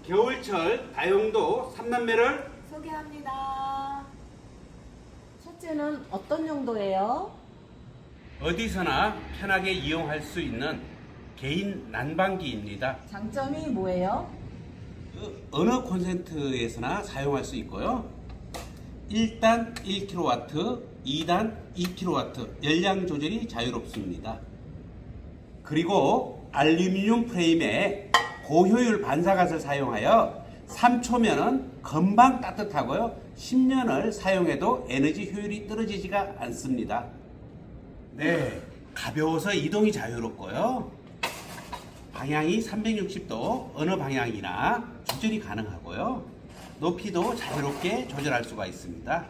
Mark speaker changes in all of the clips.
Speaker 1: 겨울철 다용도 3남매를
Speaker 2: 소개합니다. 첫째는 어떤 용도예요?
Speaker 1: 어디서나 편하게 이용할 수 있는 개인 난방기입니다.
Speaker 2: 장점이 뭐예요?
Speaker 1: 어느 콘센트에서나 사용할 수 있고요. 1단 1kW, 2단 2kW 열량 조절이 자유롭습니다. 그리고 알루미늄 프레임에 고효율 반사갓을 사용하여 3초면은 금방 따뜻하고요. 10년을 사용해도 에너지 효율이 떨어지지가 않습니다. 네, 가벼워서 이동이 자유롭고요. 방향이 360도 어느 방향이나 조절이 가능하고요. 높이도 자유롭게 조절할 수가 있습니다.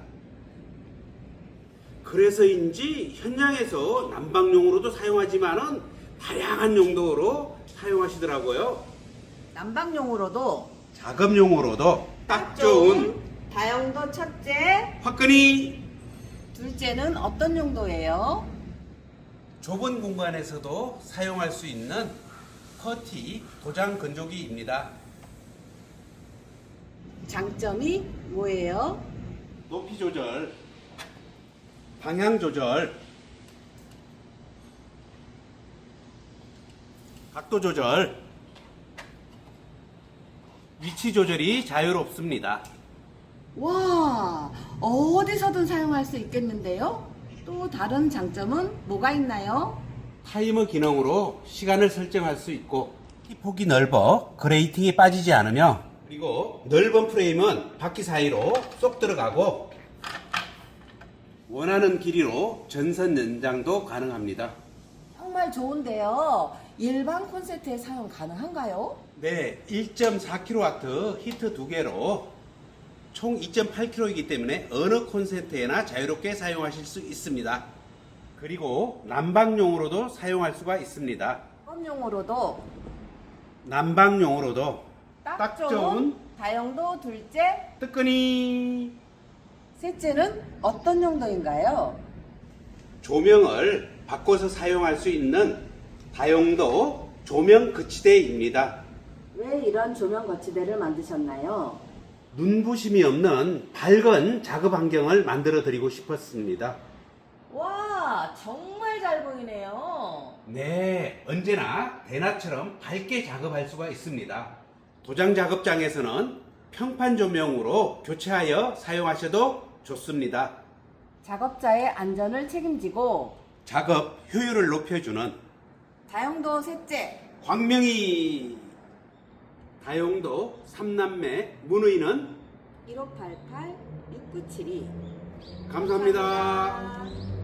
Speaker 1: 그래서인지 현장에서 난방용으로도 사용하지만은 다양한 용도로 사용하시더라고요.
Speaker 2: 난방용으로도
Speaker 1: 작업용으로도 딱 좋은
Speaker 2: 다용도 첫째,
Speaker 1: 화끈이
Speaker 2: 둘째는 어떤 용도예요?
Speaker 1: 좁은 공간에서도 사용할 수 있는 퍼티 도장 건조기입니다.
Speaker 2: 장점이 뭐예요?
Speaker 1: 높이 조절, 방향 조절, 각도 조절, 위치 조절이 자유롭습니다.
Speaker 2: 와, 어디서든 사용할 수 있겠는데요? 또 다른 장점은 뭐가 있나요?
Speaker 1: 타이머 기능으로 시간을 설정할 수 있고 폭이 넓어 그레이팅이 빠지지 않으며 그리고 넓은 프레임은 바퀴 사이로 쏙 들어가고 원하는 길이로 전선 연장도 가능합니다.
Speaker 2: 정말 좋은데요. 일반 콘센트에 사용 가능한가요?
Speaker 1: 네, 1.4kW 히트 2개로 총 2.8kg이기 때문에 어느 콘센트에나 자유롭게 사용하실 수 있습니다. 그리고 난방용으로도 사용할 수가 있습니다.
Speaker 2: 작업용으로도
Speaker 1: 난방용으로도
Speaker 2: 딱 좋은 다용도 둘째,
Speaker 1: 뜨끈이
Speaker 2: 셋째는 어떤 용도인가요?
Speaker 1: 조명을 바꿔서 사용할 수 있는 다용도 조명 거치대입니다.
Speaker 2: 왜 이런 조명 거치대를 만드셨나요?
Speaker 1: 눈부심이 없는 밝은 작업 환경을 만들어 드리고 싶었습니다.
Speaker 2: 와, 정말 잘 보이네요.
Speaker 1: 네, 언제나 대낮처럼 밝게 작업할 수가 있습니다. 도장 작업장에서는 평판 조명으로 교체하여 사용하셔도 좋습니다.
Speaker 2: 작업자의 안전을 책임지고
Speaker 1: 작업 효율을 높여주는
Speaker 2: 다용도 셋째,
Speaker 1: 광명이 다용도 3남매 문의는
Speaker 2: 1588-6972
Speaker 1: 감사합니다.